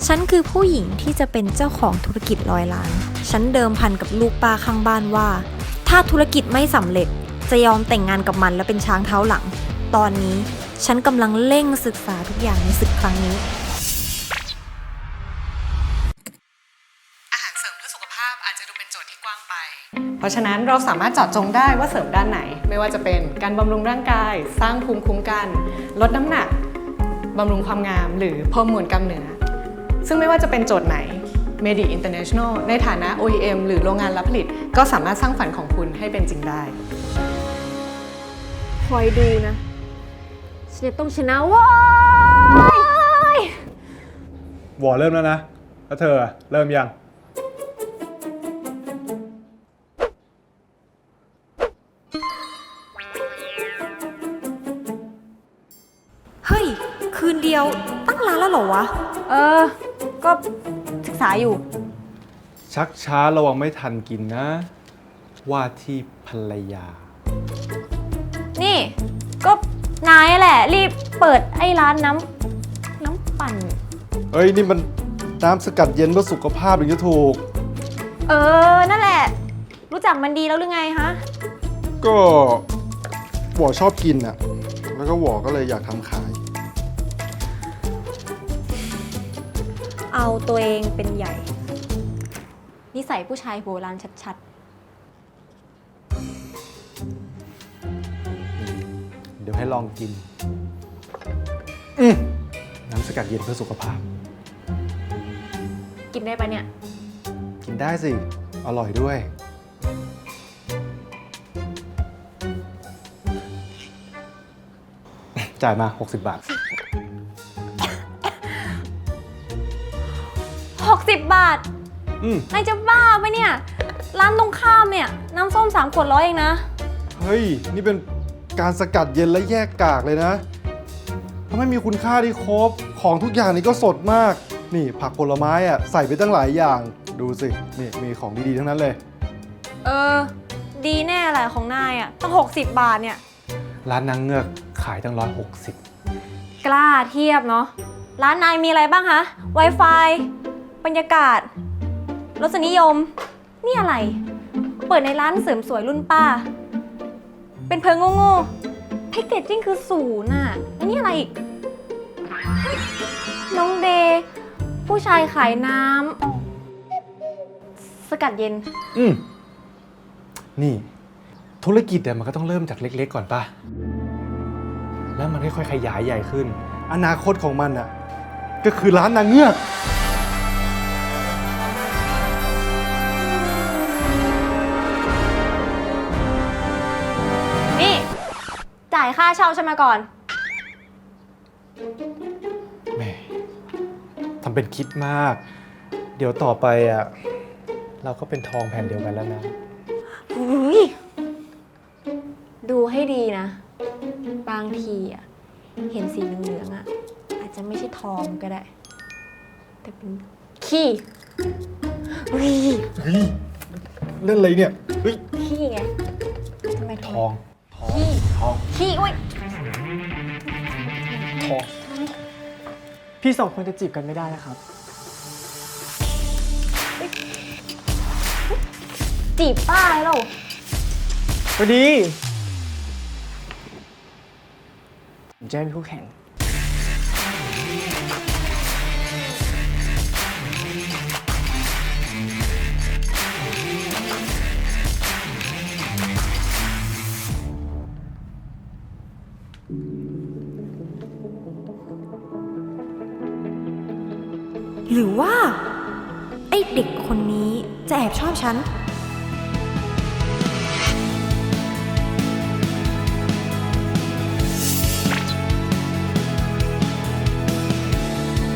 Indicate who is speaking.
Speaker 1: ฉันคือผู้หญิงที่จะเป็นเจ้าของธุรกิจ100 ล้านฉันเดิมพันกับลูกป้าข้างบ้านว่าถ้าธุรกิจไม่สำเร็จจะยอมแต่งงานกับมันและเป็นช้างเท้าหลังตอนนี้ฉันกำลังเร่งศึกษาทุกอย่างในศึกครั้งนี้
Speaker 2: อาหารเสริมเพื่อสุขภาพอาจจะดูเป็นโจทย์ที่กว้างไปเพราะฉะนั้นเราสามารถเจาะจงได้ว่าเสริมด้านไหนไม่ว่าจะเป็นการบำรุงร่างกายสร้างภูมิคุ้มกันลดน้ำหนักบำรุงความงามหรือเพิ่มมวลกล้ามเนื้อซึ่งไม่ว่าจะเป็นโจทย์ไหน Medi International ในฐานะ OEM หรือโรงงานรับผลิตก็สามารถสร้างฝันของคุณให้เป็นจริงได้
Speaker 1: คอยดูนะฉันจะต้องชนะว้า
Speaker 3: ยวอเริ่มแล้วนะแล้วเธอเริ่มยัง
Speaker 1: เฮ้ยคืนเดียวตั้งร้านแล้วเหรอวะก็ศึกษาอยู่
Speaker 3: ชักช้าระวังไม่ทันกินนะว่าที่ภรรยา
Speaker 1: นี่ก็นายแหละรีบเปิดไอ้ร้านน้ำปั่น
Speaker 3: เฮ้ยนี่มันน้ำสกัดเย็นเพื่อสุขภาพถึงจะถูก
Speaker 1: นั่นแหละรู้จักมันดีแล้วหรือไงฮะ
Speaker 3: ก็หวอชอบกินอ่ะแล้วก็หวอก็เลยอยากทำขาย
Speaker 1: เอาตัวเองเป็นใหญ่นิสัยผู้ชายโบราณชัด
Speaker 3: ๆเดี๋ยวให้ลองกินน้ำสกัดเย็นเพื่อสุขภาพ
Speaker 1: กินได้ปะเนี่ย
Speaker 3: กินได้สิอร่อยด้วยจ่ายมา60 บาท
Speaker 1: 60 บาทนายจะบ้าปะเนี่ยร้านตรงข้ามเนี่ยน้ำส้ม3 ขวด100เองนะ
Speaker 3: เฮ้ยนี่เป็นการสกัดเย็นและแยกกากเลยนะทำให้มีคุณค่าที่ครบของทุกอย่างนี่ก็สดมากนี่ผักผลไม้อ่ะใส่ไปตั้งหลายอย่างดูสินี่มีของดีๆทั้งนั้นเลย
Speaker 1: ดีแน่แหละของนายอ่ะตั้ง60 บาทเนี่ย
Speaker 3: ร้านนางเงือกขายตั้ง160
Speaker 1: กล้าเทียบเนาะร้านนายมีอะไรบ้างคะ Wi-Fi บรรยากาศรสนิยมนี่อะไรเปิดในร้านเสริมสวยรุ่นป้าเป็นเพิงโง่ๆแพ็กเกจจิ้งคือ0อ่ะแล้วนี่อะไรอีกน้องเดย์ผู้ชายขายน้ำสกัดเย็น
Speaker 3: นี่ธุรกิจมันก็ต้องเริ่มจากเล็กๆก่อนป่ะแล้วมันค่อยๆขยายใหญ่ขึ้นอนาคตของมันอ่ะก็คือร้านนางเงือก
Speaker 1: นี่จ่ายค่าเช่าใช่ไหมก่อน
Speaker 3: แม่ทำเป็นคิดมากเดี๋ยวต่อไปอ่ะเราก็เป็นทองแผ่นเดียวกันแล้วนะ
Speaker 1: ดูให้ดีนะบางทีอ่ะเห็นสีเหลืองๆอ่ะอาจจะไม่ใช่ทองก็ได้แต่เป็นขี้
Speaker 3: เฮ้ยเล่นอะไรเนี่ยเฮ้ย
Speaker 1: ขี้ไงทำไม
Speaker 3: ทอง
Speaker 1: ขี้อุ้ย
Speaker 3: ทอง
Speaker 4: พี่2 คนจะจีบกันไม่ได้นะครับ
Speaker 1: จีบป้าเหรอ
Speaker 4: พอดีผมจะเป็นคู่แข่ง
Speaker 1: หรือว่าไอ้เด็กคนนี้จะแอบชอบฉัน